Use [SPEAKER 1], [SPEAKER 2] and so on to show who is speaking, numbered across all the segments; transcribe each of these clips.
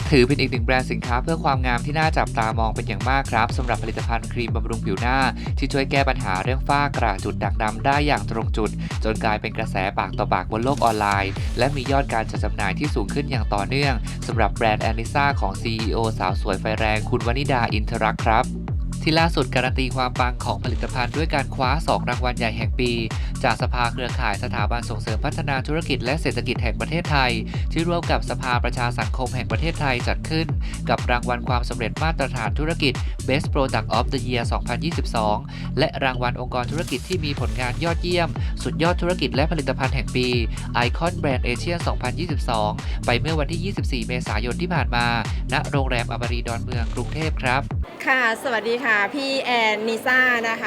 [SPEAKER 1] ถือเป็นอีกหนึ่งแบรนด์สินค้าเพื่อความงามที่น่าจับตามองเป็นอย่างมากครับสำหรับผลิตภัณฑ์ครีมบำรุงผิวหน้าที่ช่วยแก้ปัญหาเรื่องฝ้ากระจุดด่างดำได้อย่างตรงจุดจนกลายเป็นกระแสปากต่อปากบนโลกออนไลน์และมียอดการจัดจำหน่ายที่สูงขึ้นอย่างต่อเนื่องสำหรับแบรนด์แอนิซ่าของ CEO สาวสวยไฟแรงคุณวนิดาอินทรักษ์ครับที่ล่าสุดการันตีความปังของผลิตภัณฑ์ด้วยการคว้า2รางวัลใหญ่แห่งปีจากสภาเครือข่ายสถาบันส่งเสริมพัฒนาธุรกิจและเศรษฐกิจแห่งประเทศไทยที่ร่วมกับสภาประชาสังคมแห่งประเทศไทยจัดขึ้นกับรางวัลความสำเร็จมาตรฐานธุรกิจ Best Product of the Year 2022 และรางวัลองค์กรธุรกิจที่มีผลงานยอดเยี่ยมสุดยอดธุรกิจและผลิตภัณฑ์แห่งปี Icon Brand Asia 2022 ไปเมื่อวันที่ 24 เมษายนที่ผ่านมาณโรงแรมอมรีดอนเมืองกรุงเทพครับ
[SPEAKER 2] ค่ะสวัสดีค่ะพี่แอนนิซ่านะคะ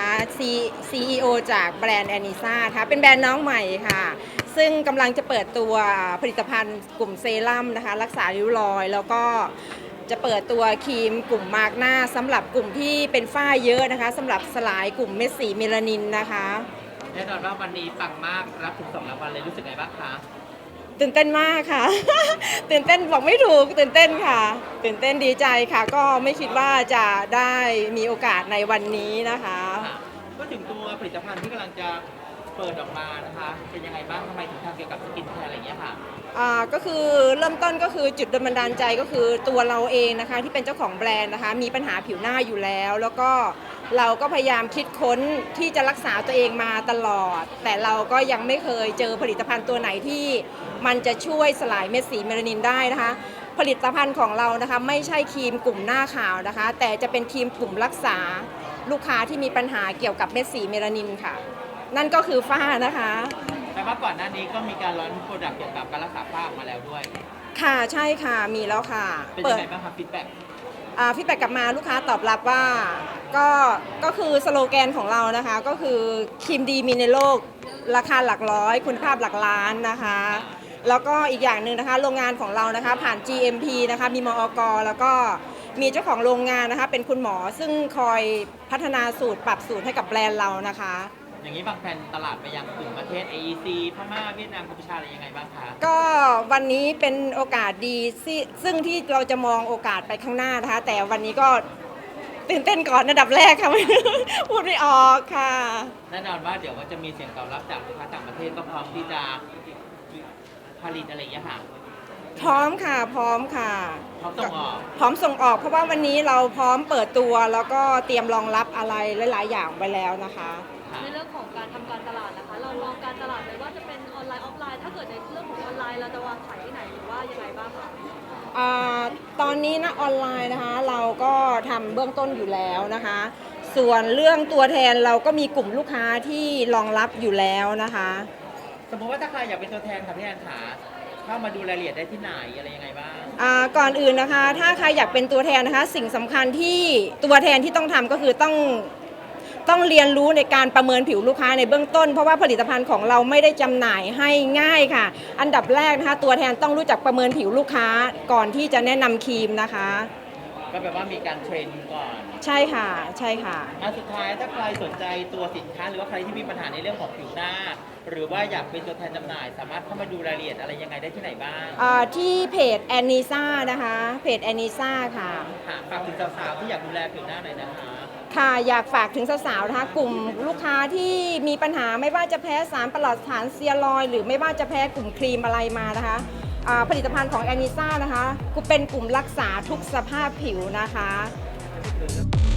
[SPEAKER 2] CEO จากแบรนด์แอนนิซ่าค่ะเป็นแบรนด์น้องใหม่ค่ะซึ่งกำลังจะเปิดตัวผลิตภัณฑ์กลุ่มเซรั่มนะคะรักษาริ้วรอยแล้วก็จะเปิดตัวครีมกลุ่มมาร์กหน้าสำหรับกลุ่มที่เป็นฝ้าเยอะนะคะสำหรับสลายกลุ่มเม็ดสีเมลานินนะคะ
[SPEAKER 3] แน่นอนว่าวันนี้ปังมากรับถึง2 รางวัลเลยรู้สึกไงบ้างคะ
[SPEAKER 2] ตื่นเต้นมากค่ะ ตื่นเต้นบอกไม่ถูกตื่นเต้นค่ะตื่นเต้นดีใจค่ะก็ไม่คิดว่าจะได้มีโอกาสในวันนี้นะคะ
[SPEAKER 3] ก็ถึงตัวผลิตภัณฑ์ที่กำลังจะเปิดออกมานะคะเป็นยังไงบ้างทำไมถึงทำเกี่ยวกับสกินแคร์อะไรอย่างเงี้ยค่ะ
[SPEAKER 2] ก็คือเริ่มต้นก็คือจุดบันดาลใจก็คือตัวเราเองนะคะที่เป็นเจ้าของแบรนด์นะคะมีปัญหาผิวหน้าอยู่แล้วแล้วก็เราก็พยายามคิดค้นที่จะรักษาตัวเองมาตลอดแต่เราก็ยังไม่เคยเจอผลิตภัณฑ์ตัวไหนที่มันจะช่วยสลายเม็ดสีเมลานินได้นะคะผลิตภัณฑ์ของเรานะคะไม่ใช่ครีมกลุ่มหน้าขาวนะคะแต่จะเป็นครีมกลุ่มรักษาลูกค้าที่มีปัญหาเกี่ยวกับเม็ดสีเมลานินค่ะนั่นก็คือฝ้านะคะ
[SPEAKER 3] แต่ว่าก่อนหน้านี้ก็มีการร้อนโปรดักต์เกี่ยวกับการรักษาฝ้าออกมาแล้วด้วย
[SPEAKER 2] ค่ะใช่ค่ะมีแล้วค่ะ
[SPEAKER 3] เป็นยังไงบ้างครับฟีดแบ็
[SPEAKER 2] กกลับมาลูกค้าตอบรับว่าก็คือสโลแกนของเรานะคะก็คือครีมดีมีในโลกราคาหลักร้อยคุณภาพหลักล้านนะคะแล้วก็อีกอย่างหนึ่งนะคะโรงงานของเรานะคะผ่าน GMP นะคะมีมอก.แล้วก็มีเจ้าของโรงงานนะคะเป็นคุณหมอซึ่งคอยพัฒนาสูตรปรับสูตรให้กับแบรนด์เรานะคะ
[SPEAKER 3] อย่างนี้บางแผนตลาดไปยังกลุ่มประเทศ AEC พม่าเวียดนามกัมพูชาอะไรยังไงบ้างคะ
[SPEAKER 2] ก็วันนี้เป็นโอกาสดีซึ่งที่เราจะมองโอกาสไปข้างหน้านะคะแต่วันนี้ก็ตื่นเต้นก่อนอันดับแรกค่ะ พูดไม่ออกค่ะ
[SPEAKER 3] แน่นอนว่าเดี๋ยวก็จะมีเสียงตอบรับจากลูกค้าต่างประเทศก็พร้อมที่จะผลิตอะไรอย่างเงี้ยค่ะ
[SPEAKER 2] พร้อมค่ะพร้อมค่ะ
[SPEAKER 3] พร้อมส่งออก
[SPEAKER 2] เพราะว่าวันนี้เราพร้อมเปิดตัวแล้วก็เตรียมรองรับอะไรหลายๆอย่างไว้แล้วนะคะ
[SPEAKER 4] ในเรื่องของการทำการตลาดนะคะเรามองการตลาดเลยว่าจะเป็นออนไลน์ออฟไลน์ถ้าเกิดในเรื่องของออนไลน์เราจะวางขายที่ไหนหรือว่ายังไงบ้างคะ
[SPEAKER 2] ตอนนี้นะออนไลน์นะคะเราก็ทำเบื้องต้นอยู่แล้วนะคะส่วนเรื่องตัวแทนเราก็มีกลุ่มลูกค้าที่รองรับอยู่แล้วนะคะ
[SPEAKER 3] สมมติว่าถ้าใครอยากเป็นตัวแทนค่ะพี่แอนขาเข้ามาดูรายละเอียดได้ที่ไหนอะไรยังไงบ้าง
[SPEAKER 2] ก่อนอื่นนะคะถ้าใครอยากเป็นตัวแทนนะคะสิ่งสำคัญที่ตัวแทนที่ต้องทำก็คือต้องเรียนรู้ในการประเมินผิวลูกค้าในเบื้องต้นเพราะว่าผลิตภัณฑ์ของเราไม่ได้จำหน่ายให้ง่ายค่ะอันดับแรกนะคะตัวแทนต้องรู้จักประเมินผิวลูกค้าก่อนที่จะแนะนำครีมนะคะ
[SPEAKER 3] ก็แปลว่ามีการเทรนก่อน
[SPEAKER 2] ใช่ค่ะใช่ค่ะ
[SPEAKER 3] สุดท้ายถ้าใครสนใจตัวสินค้าหรือว่าใครที่มีปัญหาในเรื่องของผิวหน้าหรือว่าอยากเป็นตัวแทนจำหน่ายสามารถเข้ามาดูรายละเอียดอะไรยังไงได้ที่ไหนบ้าง
[SPEAKER 2] ที่เพจแอนนิซ่านะคะเพจแอนนิซ่าค่ะ
[SPEAKER 3] ฝากถึงสาวๆที่อยากดูแลผิวหน้าหน่อยนะคะ
[SPEAKER 2] ค่ะอยากฝากถึงสาวๆนะคะกลุ่มลูกค้าที่มีปัญหาไม่ว่าจะแพ้สารปลอดสารเซียรอยด์หรือไม่ว่าจะแพ้กลุ่มครีมอะไรมานะคะผลิตภัณฑ์ของแอนนิซ่านะคะเป็นกลุ่มรักษาทุกสภาพผิวนะคะ